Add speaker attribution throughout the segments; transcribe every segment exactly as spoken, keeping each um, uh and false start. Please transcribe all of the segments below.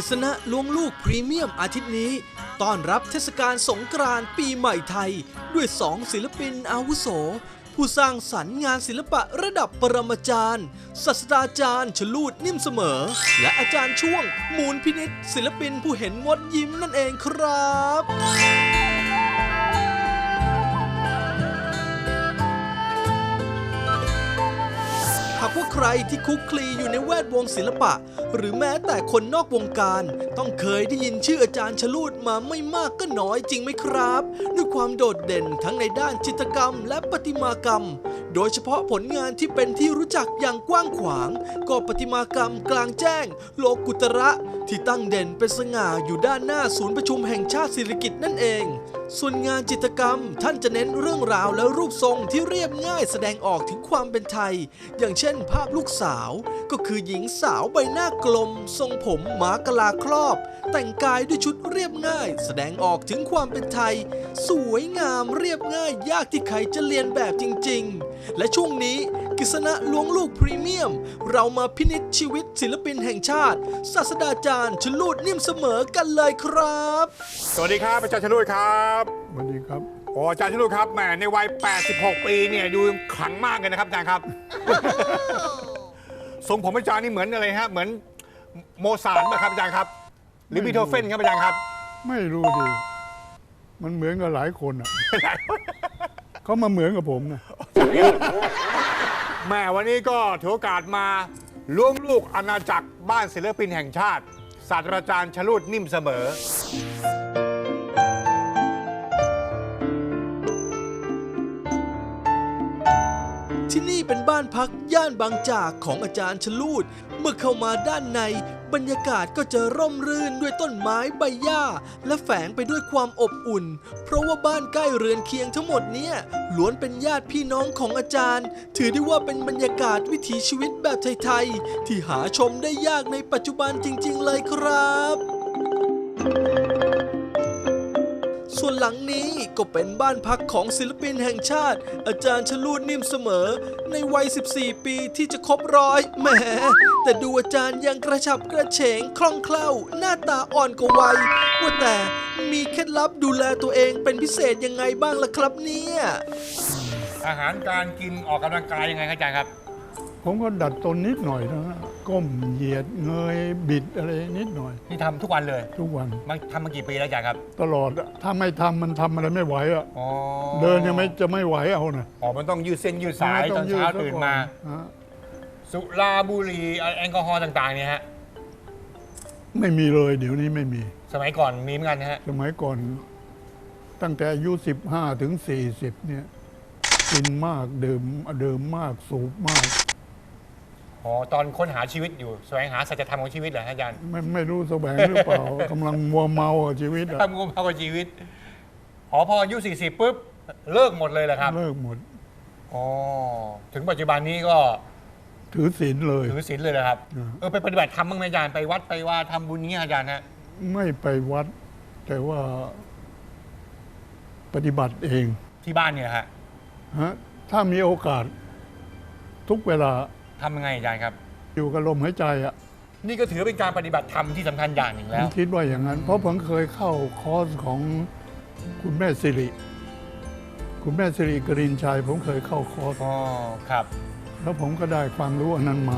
Speaker 1: ฤษณะล้วงลูกพรีเมียมอาทิตย์นี้ต้อนรับเทศกาลสงกรานต์ปีใหม่ไทยด้วยสองศิลปินอาวุโสผู้สร้างสรรค์งานศิลปะระดับปรมาจารย์ศาสตราจารย์ชลูดนิ่มเสมอและอาจารย์ช่วงมูลพินิจศิลปินผู้เห็นงดยิ้มนั่นเองครับหากว่าใครที่คุกคลีอยู่ในแวดวงศิลปะหรือแม้แต่คนนอกวงการต้องเคยได้ยินชื่ออาจารย์ชลูดมาไม่มากก็น้อยจริงไหมครับด้วยความโดดเด่นทั้งในด้านจิตรกรรมและประติมากรรมโดยเฉพาะผลงานที่เป็นที่รู้จักอย่างกว้างขวางก็ประติมากรรมกลางแจ้งโลกุตระที่ตั้งเด่นเป็นสง่าอยู่ด้านหน้าศูนย์ประชุมแห่งชาติสิริกิติ์นั่นเองส่วนงานจิตรกรรมท่านจะเน้นเรื่องราวและรูปทรงที่เรียบง่ายแสดงออกถึงความเป็นไทยอย่างเช่นภาพลูกสาวก็คือหญิงสาวใบหน้ากลมทรงผมหมากะลาครอบแต่งกายด้วยชุดเรียบง่ายแสดงออกถึงความเป็นไทยสวยงามเรียบง่ายยากที่ใครจะเรียนแบบจริงๆและช่วงนี้กฤษณะล้วงลูกพรีเมียมเรามาพินิจชีวิตศิลปินแห่งชาติศาสตราจารย์ชลูดนิ่มเสมอกันเลยครับ
Speaker 2: สวัสดีครับอาจารย์ชลูดครับ
Speaker 3: สวัสดีครับ
Speaker 2: โอ้อาจารย์ชลูดครับแหมในวัยแปดสิบหกปีเนี่ยดูขลังมากเลยนะครับอาจารย์ครับ ทรงผมอาจารย์นี่เหมือนอะไรฮะเหมือนโมซาร์ทไหมครับอาจารย์ครับหรือบีโธเฟนครับอาจารย์ครับ
Speaker 3: ไม่รู้ดิมันเหมือนกับหลายคนอ่ะ เขามาเหมือนกับผมนะ
Speaker 2: แม่วันนี้ก็ถือโอกาสมาล้วงลูกอาณาจักรบ้านศิลปินแห่งชาติศาสตราจารย์ชลูดนิ่มเสมอ
Speaker 1: ที่นี่เป็นบ้านพักย่านบางจากของอาจารย์ชลูดเมื่อเข้ามาด้านในบรรยากาศก็จะร่มรื่นด้วยต้นไม้ใบหญ้าและแฝงไปด้วยความอบอุ่นเพราะว่าบ้านใกล้เรือนเคียงทั้งหมดเนี้ยล้วนเป็นญาติพี่น้องของอาจารย์ถือได้ว่าเป็นบรรยากาศวิถีชีวิตแบบไทยๆที่หาชมได้ยากในปัจจุบันจริงๆเลยครับส่วนหลังนี้ก็เป็นบ้านพักของศิลปินแห่งชาติอาจารย์ชลูดนิ่มเสมอในวัยสิบสี่ปีที่จะครบร้อยแหมแต่ดูอาจารย์ยังกระฉับกระเฉงคล่องแคล่วหน้าตาอ่อนกว่าวัยว่าแต่มีเคล็ดลับดูแลตัวเองเป็นพิเศษยังไงบ้างล่ะครับเนี่ย
Speaker 2: อาหารการกินออกกำลังกายยังไงครับอาจารย์ครับ
Speaker 3: ผมก็ดัดตนนิดหน่อยนะก้มเหยียดเงยบิดอะไรนิดหน่อย
Speaker 2: ที่ทำทุกวันเลย
Speaker 3: ทุกวัน
Speaker 2: มันทำมากี่ปีแล้วอาจารย์ครับ
Speaker 3: ตลอดถ้าไม่ทำมันทำอะไรไม่ไหวอ่ะเดินยังไม่จะไม่ไหวเอานะ
Speaker 2: อ๋อมันต้องยืดเส้นยืดสายตอนเช้าตื่นมาสุราบุหรี่แอลกอฮอล์ต่างๆเนี่ยฮะ
Speaker 3: ไม่มีเลยเดี๋ยวนี้ไม่มี
Speaker 2: สมัยก่อนมีเหมือนกันฮะ
Speaker 3: สมัยก่อนตั้งแต่อายุสิบห้าถึงสี่สิบเนี่ยกินมากดื่มดื่มมากสูบมาก
Speaker 2: อ๋อตอนค้นหาชีวิตอยู่แสวงหาสัจธรรมของชีวิตเหรออาจารย์
Speaker 3: ไม่ไม่รู้แสวงหรือเปล่ากำลังมัวเมากับชีวิตอะ
Speaker 2: มัวเมากับชีวิตอ๋อพออายุสี่สิบปุ๊บเลิกหมดเลยเหรอครับ
Speaker 3: เลิกหมด
Speaker 2: อ๋อถึงปัจจุบันนี้ก็
Speaker 3: ถือศีลเลย
Speaker 2: ถือศีลเลยนะครับเออไปปฏิบัติธรรมบ้างไหมอาจารย์ไปวัดไปว่าทำบุญนี้อาจารย์ฮะ
Speaker 3: ไม่ไปวัดแต่ว่าปฏิบัติเอง
Speaker 2: ที่บ้านเนี่ยฮะ
Speaker 3: ฮะถ้ามีโอกาสทุกเวลา
Speaker 2: ทำยังไงอาจารย์ครับ
Speaker 3: อยู่กับลมหายใจอ่ะ
Speaker 2: นี่ก็ถือเป็นการปฏิบัติธรรมที่สำคัญอย่างหนึ่งแล้ว
Speaker 3: ผมคิดว่าอย่างนั้นเพราะผมเคยเข้าคอร์สของคุณแม่สิริคุณแม่สิริกรินชัยผมเคยเข้าคอร์ส
Speaker 2: อ๋อครับ
Speaker 3: แล้วผมก็ได้ความรู้อันนั้นมา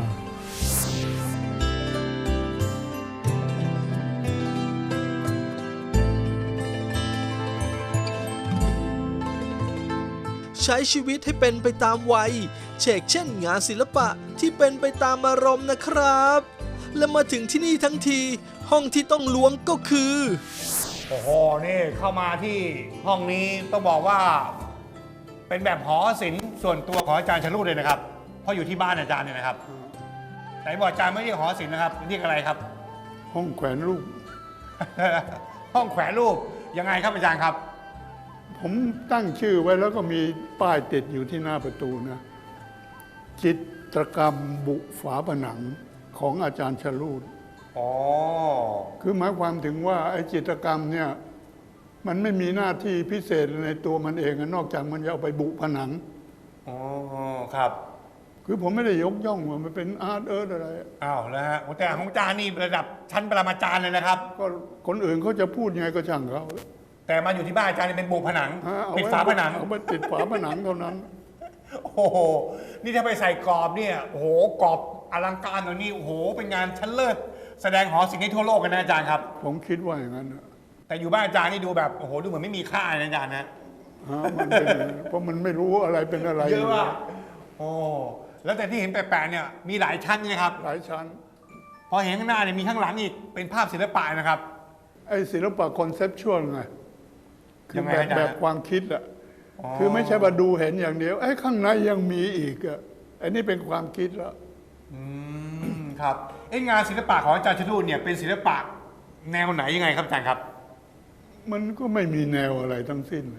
Speaker 1: ใช้ชีวิตให้เป็นไปตามวัยเชกเช่นงานศิลปะที่เป็นไปตามอารมณ์นะครับและมาถึงที่นี่ทั้งทีห้องที่ต้องล้วงก็คือ
Speaker 2: โอ้โหนี่เข้ามาที่ห้องนี้ต้องบอกว่าเป็นแบบหอศิลป์ส่วนตัวของอาจารย์ชลูดเลยนะครับเพราะอยู่ที่บ้านอาจารย์เนี่ยนะครับแต่บอกอาจารย์ไม่เรียกหอศิลป์นะครับเรียกอะไรครับ
Speaker 3: ห้องแขวนรูป
Speaker 2: ห้องแขวนรูปยังไงครับอาจารย์ครับ
Speaker 3: ผมตั้งชื่อไว้แล้วก็มีป้ายติดอยู่ที่หน้าประตูนะจิตรกรรมบุฝาผนังของอาจารย์ชลูด
Speaker 2: อ๋อ
Speaker 3: คือหมายความถึงว่าไอ้จิตรกรรมเนี่ยมันไม่มีหน้าที่พิเศษในตัวมันเองนอกจากมันจะเอาไปบุผนัง
Speaker 2: อ๋อครับ
Speaker 3: คือผมไม่ได้ยกย่องว่ามันเป็นอาร์ตเอิร์ธอะไร
Speaker 2: อ้าวแล้วฮะโอ้แต่ของอาจารย์นี่ระดับชั้นปรมาจารย์เลยนะครับ
Speaker 3: ก็คนอื่นเขาจะพูดยังไงก็ช่างเขา
Speaker 2: แต่มาอยู่ที่บ้านอาจารย์นี่เป็นโบกผนัง
Speaker 3: ฮะเอ
Speaker 2: ปิด
Speaker 3: ไว้
Speaker 2: ฝาผนัง
Speaker 3: เอาไปติดฝาผนังเท่านั้น
Speaker 2: โอ้โห นี่ถ้าไปใส่กรอบเนี่ยโอ้โหกรอบอลังการตัวนี้โอ้โหเป็นงานชั้นเลิศแสดงหอศิลป์ให้ทั่วโลกกันนะอาจารย์ครับ
Speaker 3: ผมคิดว่าอย่างนั้นนะ
Speaker 2: แต่อยู่บ้านอาจารย์นี่ดูแบบโอ้โหดูเหมือนไม่มีค่านะอาจารย์นะ
Speaker 3: ฮะมันเป็นอย่างนั้นเพราะมันไม่รู้อะไรเป็นอะไร
Speaker 2: เยอะว่ะโอ้แล้วแต่ที่เห็นแปลกๆเนี่ยมีหลายชั้นนะครับ
Speaker 3: หลายชั้น
Speaker 2: พอเห็นข้างหน้าเนี่ยมีข้างหลังอีกเป็นภาพศิลปะนะครับ
Speaker 3: ไอ้ศิลปะคอนเซปชวลไงคื
Speaker 2: ยั
Speaker 3: อง
Speaker 2: ไง
Speaker 3: แบบ
Speaker 2: อาจารย์
Speaker 3: แบบความคิดอะ
Speaker 2: อ๋อ
Speaker 3: คือไม่ใช่ว่าดูเห็นอย่างเดียวไอ้ข้างในยังมีอีกอะไอ้นี่เป็นความคิดแล้ว
Speaker 2: อืมครับเอ้งานศิลปะของอาจารย์ชลุเนี่ยเป็นศิลปะแนวไหนยังไงครับอาจารย์ครับ
Speaker 3: มันก็ไม่มีแนวอะไรทั้งสิ้น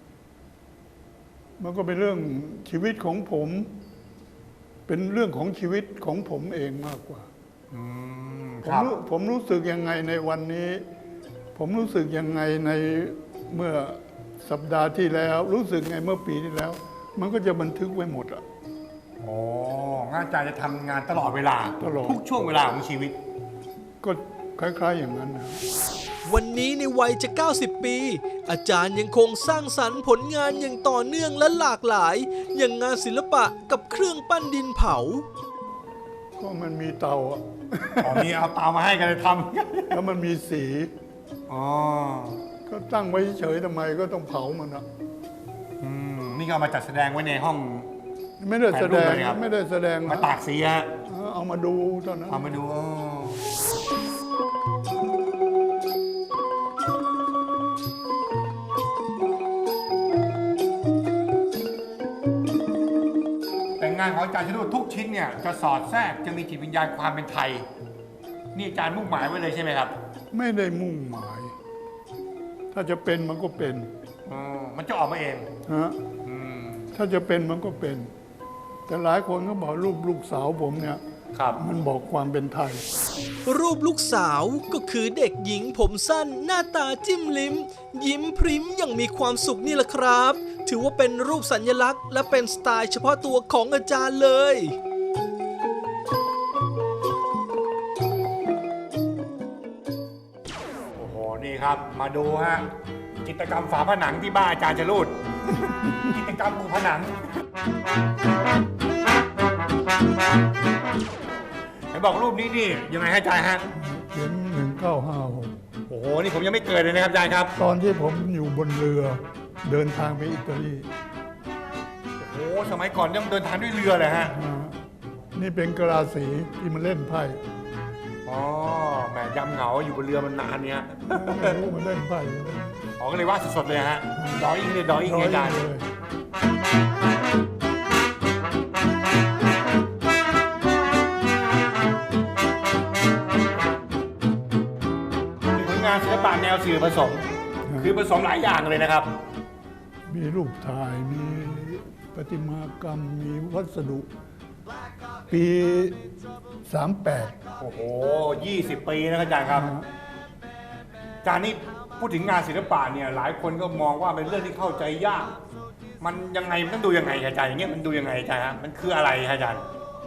Speaker 3: มันก็เป็นเรื่องชีวิตของผม เป็นเรื่องของชีวิตของผมเองมากกว่า
Speaker 2: อืม
Speaker 3: ผ
Speaker 2: ค
Speaker 3: ม
Speaker 2: รับ
Speaker 3: รู้ผมรู้สึกยังไงในวันนี้ ผมรู้สึกยังไงในเมื่อสัปดาห์ที่แล้ว รู้สึกไงเมื่อปีที่แล้ว มันก็จะบันทึกไว้หมดอะ
Speaker 2: โอ้งานอาจารย์จะทำงานตลอดเวลา
Speaker 3: ตลอด
Speaker 2: ทุกช่วงเวลาของชีวิต
Speaker 3: ก็คล้าย ๆ อย่างนั้นนะ
Speaker 1: วันนี้ในวัยจะ เก้าสิบ ปี อาจารย์ยังคงสร้างสรรค์ผลงานอย่างต่อเนื่องและหลากหลาย อย่างงานศิลปะกับเครื่องปั้นดินเผา
Speaker 3: ก็มันมีเตาอะ
Speaker 2: อ๋อมีเอาเตามาให้กันเลยท
Speaker 3: แล้วมันมีสี
Speaker 2: ำอ๋อ
Speaker 3: ก็ตั้งไว้เฉยๆทำไมก็ต้องเผามันอะ
Speaker 2: อืมนี่ก็เอามาจัดแสดงไว้ในห้อง
Speaker 3: ไม่ได้แสดง
Speaker 2: ถ่ายรูปเลยครับ
Speaker 3: ไม่ได้แสดง
Speaker 2: มา
Speaker 3: นะ
Speaker 2: ตากสีฮะ
Speaker 3: เอามาดูเท่านั้น
Speaker 2: เอามาดูอ๋อแต่งานของอาจารย์ชลุทุกชิ้นเนี่ยจะสอดแทรกจะมีจิตวิญญาณความเป็นไทย นี่อาจารย์มุ่งหมายไว้เลยใช่ไหมครับ
Speaker 3: ไม่ได้มุ่งหมาย ถ้าจะเป็นมันก็เป็น
Speaker 2: อ๋อมันจะออกมาเอง
Speaker 3: ฮะ
Speaker 2: อืม
Speaker 3: ถ้าจะเป็นมันก็เป็น แต่หลายคนก็บอกรูปลูกสาวผมเนี่ย
Speaker 2: ครับ
Speaker 3: มันบอกความเป็นไทย
Speaker 1: รูปลูกสาวก็คือเด็กหญิงผมสั้น หน้าตาจิ้มลิ้ม ยิ้มพริ้มอย่างมีความสุขนี่แหละครับ ถือว่าเป็นรูปสัญลักษณ์และเป็นสไตล์เฉพาะตัวของอาจารย์เลย
Speaker 2: โอ้โห นี่ครับ มาดูฮะ จิตรกรรมฝาผนังที่บ้านอาจารย์จรูด จิตรกรรมปูผนังไหนบอกรูปนี้นี่ยังไงฮะอาจารย์ฮะ
Speaker 3: เขียนหนึ่งเก้าห้าหก
Speaker 2: โอ้โห นี่ผมยังไม่เกิดเลยนะครับอาจารย์ครับ
Speaker 3: ตอนที่ผมอยู่บนเรือเดินทางไปอิตาลี
Speaker 2: โอ้โห สมัยก่อนต้องเดินทางด้วยเรือเลยฮะ
Speaker 3: นะนี่เป็นกราสีที่มันเล่นไพ่
Speaker 2: อ๋อ แหมยำเหงาอยู่บนเรือมันนานเนี่ย
Speaker 3: ไม่รู้มันเล่นไพ่
Speaker 2: อ๋อ ก็เลยว่าดสดๆเลยฮะ ดอยอิงเลยดอยอิง
Speaker 3: ร้
Speaker 2: ไง
Speaker 3: อย
Speaker 2: อาจารย์
Speaker 3: เลย
Speaker 2: เป็นผลงานศิลปะแนวสื่อผสม คือผสมหลายอย่างเลยนะครับ
Speaker 3: มีรูปถ่ายมีประติมากรรมมีวัสดุ ปีสามแปด
Speaker 2: โอ้โห ยี่สิบ ปีนะครับอาจารย์ครับ อาจารย์นี่พูดถึงงานศิลปะเนี่ยหลายคนก็มองว่าเป็นเรื่องที่เข้าใจยาก มันยังไงมันต้องดูยังไงอาจารย์อย่างเงี้ยมันดูยังไงอาจารย์ฮะมันคืออะไรครับอาจารย์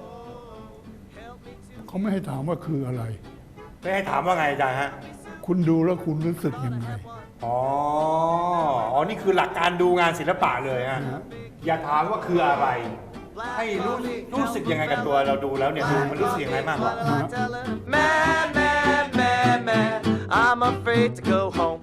Speaker 3: เขาไม่ให้ถามว่าคืออะไร
Speaker 2: ไม่ให้ถามว่าไงอาจารย์ฮะ
Speaker 3: คุณดูแล้วคุณรู้สึกยังไง
Speaker 2: อ๋อ อ๋อ นี่คือหลักการดูงานศิลปะเลยฮะ
Speaker 3: นะฮะ
Speaker 2: อย่าถามว่าคืออะไร ให้รู้รู้สึกยังไงกับตัวเราดูแล้วเนี่ยดูมันรู้สึกยังไงมากกว่า
Speaker 4: Mad, mad, mad, mad, I'm afraid to go home.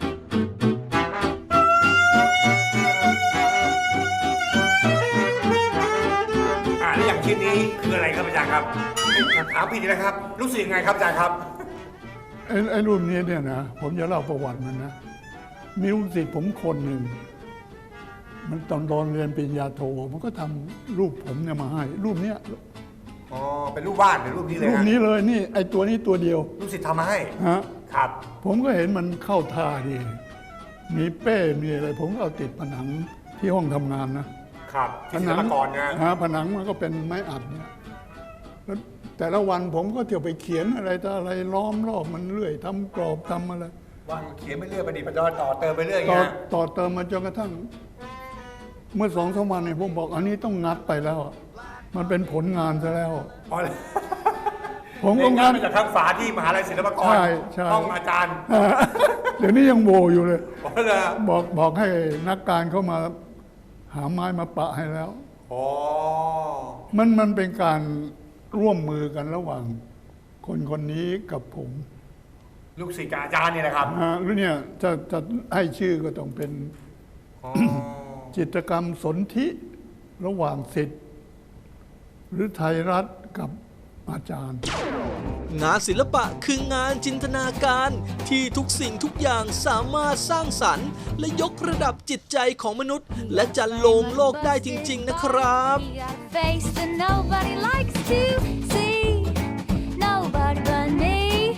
Speaker 2: อ่าแล้วอย่างชิ้นนี้คืออะไรครับอาจารย์ครับถามผิดอีกนะครับ รู้สึกยังไงครับอาจารย์ครับ
Speaker 3: ไอ้ไอ้รูปนี้เนี่ยนะผมจะเล่าประวัติมันนะ มีลูกศิษย์ผมคนหนึ่ง มันตอนตอนเรียนปริญญาโท มันก็ทำรูปผมเนี่ยมาให้ รูปเนี้ย
Speaker 2: อ๋อ เป็นรูปวาดหรือรูปนี้เลย
Speaker 3: รูป
Speaker 2: ฮะ
Speaker 3: นี้เลยนี่ไอ้ตัวนี้ตัวเดียว
Speaker 2: ลูกศิษย์ทำมาให้
Speaker 3: ฮะ
Speaker 2: ครับ
Speaker 3: ผมก็เห็นมันเข้าท่าดี มีเป้มีอะไร ผมก็เอาติดผนังที่ห้องทำงานนะครับ
Speaker 2: ที่ศิลปากรนะ
Speaker 3: ฮะผนังมันก็เป็นไม้อัดเนี่ยแล้วแต่ละวันผมก็เที่ยวไปเขียนอะไรต่ออะไรล้อมรอบมันเรื่อยทำกรอบทำอะไร
Speaker 2: วางเขียนไปเรื่อยประดิษฐ์ประดอยต่อเติมไปเรื่อยอย่าง
Speaker 3: ต่อ
Speaker 2: เงี้ย
Speaker 3: ต่อเติมมาจนกระทั่ง เมื่อสองสามวันเนี่ยผมบอกอันนี้ต้องงัดไปแล้วอะมันเป็นผลงานซะแล้ว
Speaker 2: อ๋อ
Speaker 3: ผม
Speaker 2: เรี
Speaker 3: ก็
Speaker 2: ยนงาง
Speaker 3: าน น
Speaker 2: มาจากทางฝาที่มหาลัยศิลปากร
Speaker 3: ใช่ใช่
Speaker 2: ห้องอาจารย์
Speaker 3: เดี๋ยวนี้ยังโวอยู่เลย
Speaker 2: อ๋อเหรอ
Speaker 3: บอกบอกให้นักการเข้ามาหาไม้มาปะให้แล้ว
Speaker 2: อ๋อ
Speaker 3: มันมันเป็นการร่วมมือกันระหว่างคนคนนี้กับผม
Speaker 2: ลูกศิษย์กับอาจารย์นี่แหละครับ
Speaker 3: อ่าแล้วเนี่ยจะจะให้ชื่อก็ต้องเป็น
Speaker 2: อ๋อ
Speaker 3: จิตรกรรมสนธิระหว่างศิษย์หรือไทยรัฐกับอาจารย์
Speaker 1: งานศิลปะคืองานจินตนาการที่ทุกสิ่งทุกอย่างสามารถสร้างสรรค์ และยกระดับจิตใจของมนุษย์ และจันโลงโลกได้จริง ๆ นะครับ
Speaker 5: He got a face that nobody likes to see. Nobody but me.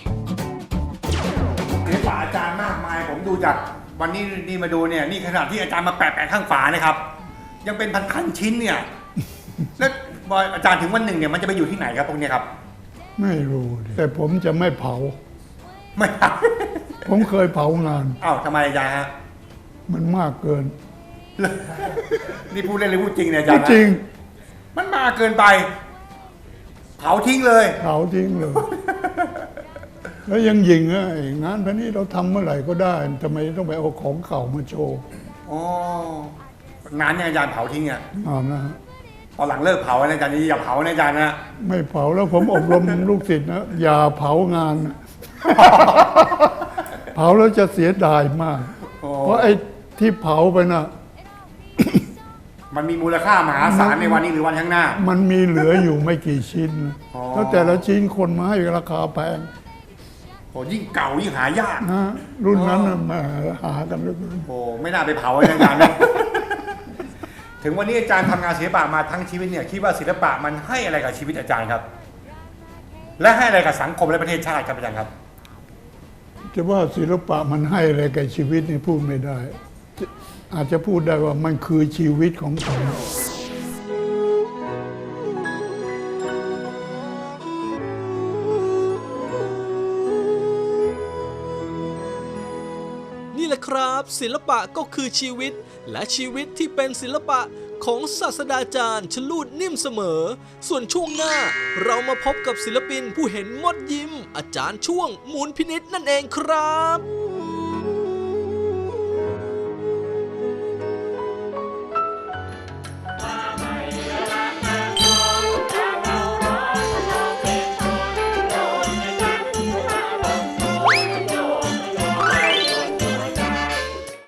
Speaker 2: ศิลปะอาจารย์มากมาย ผมดูจากวันนี้นี่มาดูเนี่ยนี่ขนาดที่อาจารย์มาแปะแปะข้างฝานะครับ ยังเป็นพันๆชิ้นเนี่ย แล้วบอยอาจารย์ถึงวันหนึ่งเนี่ยมันจะไปอยู่ที่ไหนครับพวกเนี้ยครับ
Speaker 3: ไม่รู้ดิแต่ผมจะไม่เผา
Speaker 2: ไม่
Speaker 3: ผมเคยเผางาน
Speaker 2: อ้าวทำไมอาจารย์ฮะ
Speaker 3: มันมากเกิน
Speaker 2: นี่พูดเล่นหรือพูดจริงเนี่ยอาจารย์นะ
Speaker 3: จริง
Speaker 2: มันมากเกินไป เผาทิ้งเลย
Speaker 3: เผาทิ้งเลย แล้วยังยิงอ่ะไอ้งานพันนี้เราทำเมื่อไหร่ก็ได้ทำไมต้องไปเอาของเก่ามาโชว์
Speaker 2: อ๋อ งานเนี่ยอาจารย์เผาทิ้งอ่ะ
Speaker 3: เอานะฮะ
Speaker 2: ตอนหลังเลิกเผานะอาจารย์อย่าเผานะอาจารย์นะ
Speaker 3: ไม่เผาแล้วผมอบรม ลูกศิษย์นะอย่าเผางาน เผาแล้วจะเสียดายมาก
Speaker 2: โอ้
Speaker 3: เพราะไอ้ที่เผาไปน่ะ
Speaker 2: มันมีมูลค่ามหาศาลในวันนี้หรือวันข้างหน้า
Speaker 3: มันมีเหลืออยู่ไม่กี่ชิ้น
Speaker 2: อ๋อ
Speaker 3: แล้วแต่ละชิ้นคนมาให้ราคาแพง
Speaker 2: โอ้ยิ่งเก่ายิ่งหายาก
Speaker 3: นะรุ่นนั้นน่ะแหมาหากันเหลือเกิน
Speaker 2: โอ้ไม่น่าไปเผาเลยนะอาจารย์นะ ถึงวันนี้อาจารย์ทำงานศิลปะมาทั้งชีวิตเนี่ยคิดว่าศิลปะมันให้อะไรกับชีวิตอาจารย์ครับ และให้อะไรกับสังคมและประเทศชาติครับอาจารย์ครับ
Speaker 3: จะว่าศิลปะมันให้อะไรแก่ชีวิตนี่พูดไม่ได้ อาจจะพูดได้ว่ามันคือชีวิตของผม
Speaker 1: นี่แหละครับ ศิลปะก็คือชีวิต และชีวิตที่เป็นศิลปะของศาสตราจารย์ชลูดนิ่มเสมอ ส่วนช่วงหน้าเรามาพบกับศิลปินผู้เห็นมดยิ้ม อาจารย์ช่วงมูลพินิษนั่นเองครับ